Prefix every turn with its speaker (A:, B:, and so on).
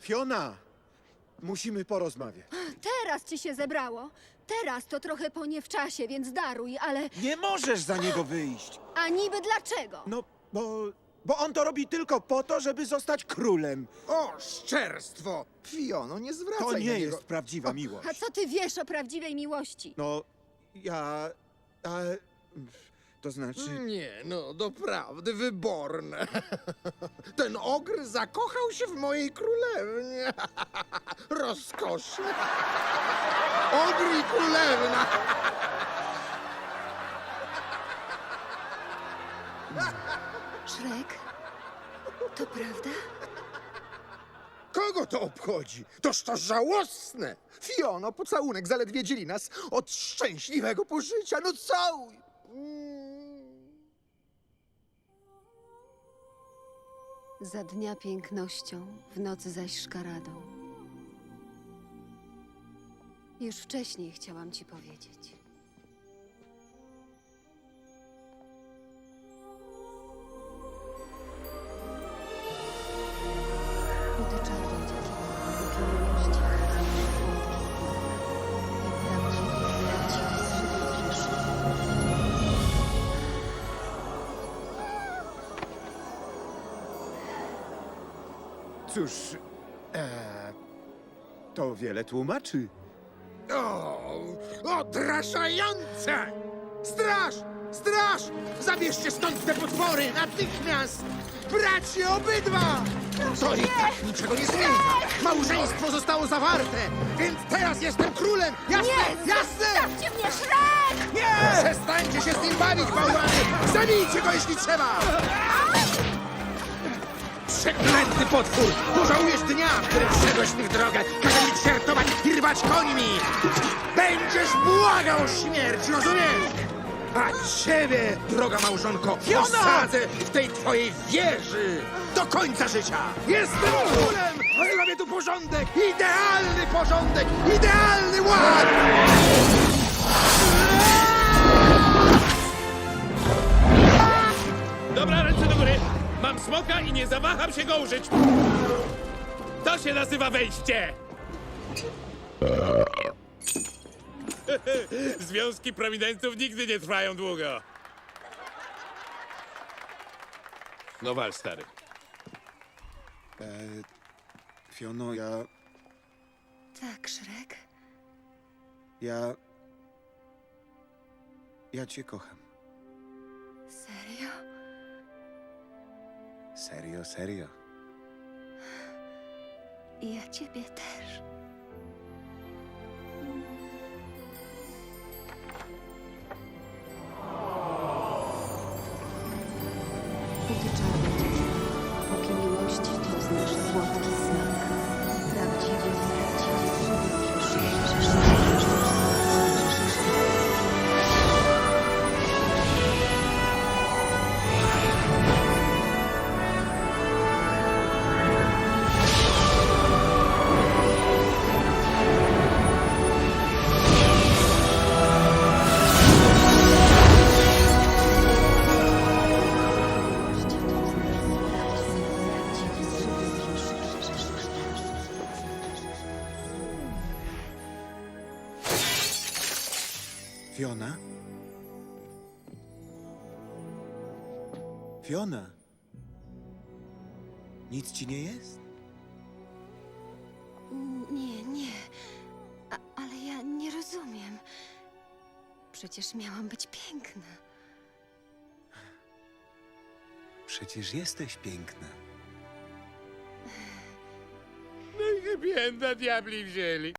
A: Fiona! Musimy porozmawiać.
B: Teraz ci się zebrało. Teraz to trochę po nie w czasie, więc daruj, ale...
A: Nie możesz za niego wyjść.
B: A niby dlaczego?
A: No, bo on to robi tylko po to, żeby zostać królem.
C: O, szczerstwo! Fiono, nie zwracaj
A: To
C: na
A: nie
C: niego.
A: jest prawdziwa miłość.
B: A co ty wiesz o prawdziwej miłości?
A: No, to znaczy...
C: Nie, no doprawdy wyborne. Ten ogr zakochał się w mojej królewnie. Rozkoszne. Ogr i królewna.
B: Szrek? To prawda?
C: Kogo to obchodzi? Toż to żałosne! Fiono, pocałunek zaledwie dzieli nas od szczęśliwego pożycia. No całuj!
B: Za dnia pięknością, w nocy zaś szkaradą. Już wcześniej chciałam ci powiedzieć. Buty czarne dziewczyny, póki miłości, jak prawdziwy srebrny.
A: Cóż, to wiele tłumaczy.
C: Odrażające! Straż! Straż! Zabierzcie stąd te potwory! Natychmiast! Bracie obydwa! To i tak niczego nie zmienia! Małżeństwo zostało zawarte! Więc teraz jestem królem! Jasne? Jasne!
B: Stawcie mnie, Szrek!
C: Nie! Przestańcie się z nim bawić, bałwany! Zabijcie go, jeśli trzeba! Przeklęty potwór! Pożałujesz dnia, w którym wszedłeś w tych drogę! Każe mi ćwiartować i rwać końmi! Będziesz błagał o śmierć, rozumiesz? A ciebie, droga małżonko, osadzę w tej twojej wieży do końca życia! Jestem królem! Zrobię tu porządek! Idealny porządek! Idealny ład!
D: Dobra, ręce do góry! Mam smoka i nie zawaham się go użyć! To się nazywa wejście! Związki prominenców nigdy nie trwają długo. No wal, stary.
A: Fiono,
B: Tak, Szrek?
A: ja cię kocham.
B: Serio?
A: Serio, serio.
B: I ja ciebie też. Buty czarne dziewczyny, póki miłości to znasz słodki znak. Prawdziwy,
A: Fiona? Fiona? Nic ci nie jest?
B: Nie. Ale ja nie rozumiem. Przecież miałam być piękna.
A: Przecież jesteś piękna.
D: No i happy enda diabli wzięli.